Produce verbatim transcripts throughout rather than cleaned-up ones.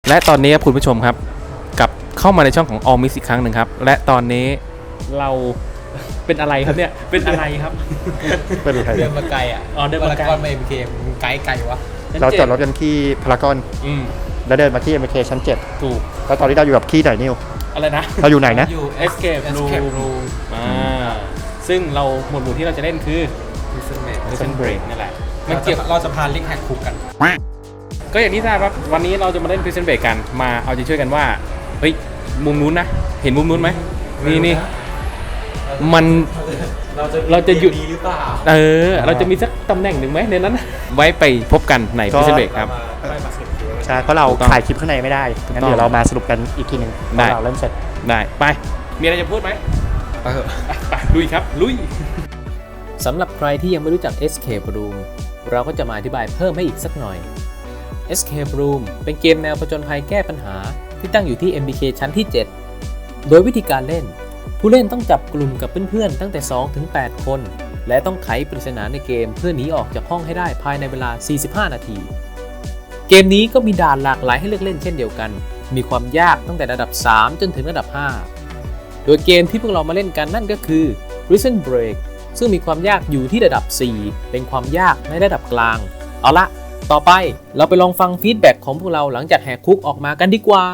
และตอนนี้ครับคุณผู้ชมครับกลับเข้ามาในช่องของ All Mix อีกครั้งหนึ่งครับและตอนนี้เราเป็นอะไรครับเนี่ยเป็นอะไรครับเป็นอะไรเดินมาไกลอ่ะอ๋อเดินมาไกลพารากอนมาเอ็มเคไกลไกลวะเราจอดรถกันที่พารากอนอืมแล้วเดินมาที่ เอ็ม เค ชั้นเจ็ดถูกแล้วตอนนี้เราอยู่กับที่ไหนนิวอะไรนะเราอยู่ไหนนะอยู่ Escape Room Escape Room อ่าซึ่งเราหมวดหมู่ที่เราจะเล่นคือ Prison Break Prison Break นี่แหละมัมัน นเกี่เกี่ยยว วเราจะพาลิกแฮกคุกกันก็อย่างที่ทราบครับวันนี้เราจะมาเล่น Prison Break กันมาเอาใจช่วยกันว่าเฮ้ยมุมนู้นนะเห็นมุมนู้นไหมนี่นี่มันเราจะหยุดดีหรือเปล่าเออเราจะมีสักตำแหน่งหนึ่งไหมในนั้นนะไว้ไปพบกันใน Prison Break ครับใช่เพราะเราถูกต้องถ่ายคลิปข้างในไม่ได้งั้นเดี๋ยวเรามาสรุปกันอีกทีหนึ่งได้ตอนเราเล่นเสร็จได้ไปมีอะไรจะพูดไหมไปเถอะไปลุยครับลุยสำหรับใครที่ยังไม่รู้จัก Escape Room เราก็จะมาอธิบายเพิ่มให้อีกสักหน่อย Escape Room เป็นเกมแนวผจญภัยแก้ปัญหาที่ตั้งอยู่ที่ เอ็ม บี เค ชั้นที่ เจ็ด โดยวิธีการเล่น ผู้เล่นต้องจับกลุ่มกับเพื่อนๆตั้งแต่ สองถึงแปด คน และต้องไขปริศนาในเกมเพื่อหนีออกจากห้องให้ได้ภายในเวลา สี่สิบห้า นาที เกมนี้ก็มีด่านหลากหลายให้เลือกเล่นเช่นเดียวกัน มีความยากตั้งแต่ระดับ สาม จนถึงระดับ ห้า โดยเกมที่พวกเรามาเล่นกันนั่นก็คือ Prison Break ซึ่งมีความยากอยู่ที่ระดับ สี่ เป็นความยากในระดับกลาง เอาละ ต่อไปเราไปลองฟังฟีดแบ็กของพวกเราหลังจากแหกคุกออกมากันดีกว่า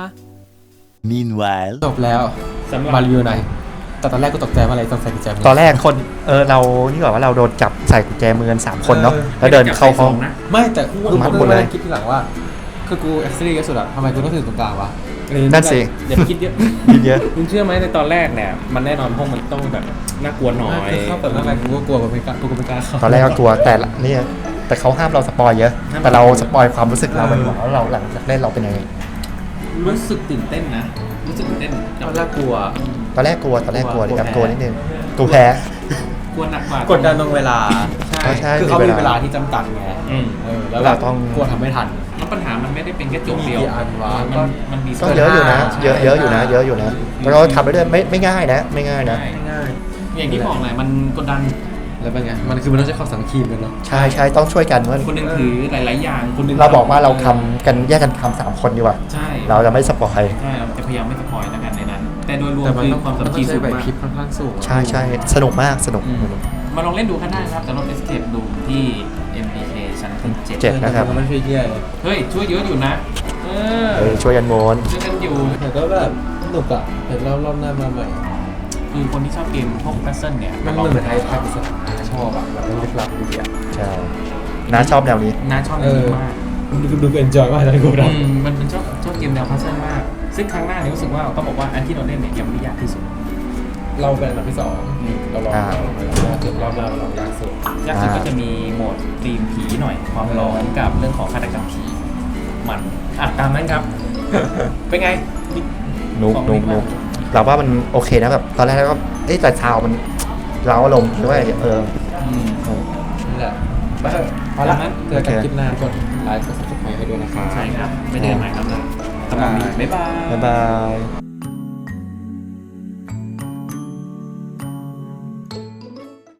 Meanwhile จบแล้วมารีวิวหน่อยแต่ตอนแรกกูตกใจว่าอะไรต้องใส่กุญแจมือตอนแรกคนเออเรานี่บอกว่าเราโดนจับใส่กุญแจมือกันสามคนเนาะเออแล้วเดินเข้าห้องไม่แต่กูมัดหมกูดเลยมาคิดทีหลังว่าคือกูเอ็กซ์ตรีที่สุดอะทำไมกูต้องถึงตรงกลางวะนั่นสิอย่าไปคิดเยอะคิดเยอะคุณเชื่อไหมในตอนแรกเนี่ยมันแน่นอนห้องมันต้องแบบน่ากลัวหน่อยคือเข้าเปิดมาแรกกูก็กลัวกูไม่กล้ากูก็ไม่กล้าเข้าตอนแรกก็กลัวแต่ละเนี่ยแต่เขาห้ามเราสปอยเยอะ แต่เราสปอยความรู้สึกเราไปดีกว่าว่าเราหลังจากเล่นเราเป็นยังไงรู้สึกตื่นเต้นนะรู้สึกตื่นเต้นตอนแรกกลัวตอนแรกกลัวตอนแรกกลัวกลัวแอบแพ้กลัวนิดนึงกลัวแพ้กลัวหนักกว่ากดดันตรงเวลาใช่ใช่คือเขามีมีเวลาเวลาที่จำกัดไงอืมเออแล้วเราเราต้องกลัวทำไม่ทันแล้วปัญหามันไม่ได้เป็นแค่โจทย์เดียวมีกี่อันวะมันมันมีก็เยอะอยู่นะใช่เยอะเยอะอยู่นะ เยอะอยู่นะแล้วก็ทำไปเรื่อยไม่ไม่ง่ายนะ ไม่ง่ายนะใช่ง่ายอย่างที่บอกแหละมันกดดันแล้วเป็นไงมันคือมันต้องใช้ความสามัคคีกันเนาะใช่ใช่ต้องช่วยกันว่าคนหนึงถือหลาย ๆ อย่างคนหนึงเราบอกว่าเราทำกันแยกกันทำสามคนดีกว่าใช่เราจะไม่สปอยใช่เราจะพยายามไม่สปอยแล้วกันในนั้น แต่โดยรวมแต่มันคือต้องความสามันมัคต้คีองใช้สูงไหวมากพริบค่อนข้างสูงใช่ใช่สนุกมากสนุกอืมมาลองเล่นดูกันได้นะครับแต่รถ Escape Room ที่ เอ็ม บี เค ชั้นที่เจ็ดเจ็ดนะครับมันไม่ช่วยเยี่ยเลยเฮ้ยช่วยเยอะอยู่นะเออเออช่วยกันโมนช่วยกันอยู่แต่ก็แบบสนุกอะเห็นรอบรอบหน้ามาใหม่คือคนที่ชอบเกมพวกพัซเซิลเนี่ยมันลองเหมือนไอ้ภาคพิศดารชอบอะแบบมันลึกลับดีอะใช่น้าชอบแนวนี้น้าชอบเอเกอมมากดูดูเอนจอยมากเลยกูอืนะมมันเป็นชอบชอบเกมแนวพัซเซิลมาก ซึ่งครั้งหน้าเนี่ยรู้สึกว่าต้องบอกว่าอันที่เราเล่นเนี่ยยังไม่ได้ยากที่สุดเราเป็นอันดับที่สองเราลองอ่าเราจุดรอบหน้าเราลองยากสุดยากสุดอ่าก็จะมีโหมดธีมผีหน่อย ความร้อนกับเรื่องของฆาตกรรมผีมันอ่ะตามนั้นครับ เป็นไงนุกของนุดีกมานุกเราว่ามันโอเคนะแบบตอนแรกก็เอ๊ะแต่ซาวมันเราอารมณ์ด้วยเอออืมนี่แหละไปเถอะพอละเจอกันคลิปหน้ากดไลค์กดซับสไครต์ให้ด้วยนะครับใช่ครับ ไม่เดินใหม่ครับนะสำหรับนี้บ๊ายบายบ๊ายบาย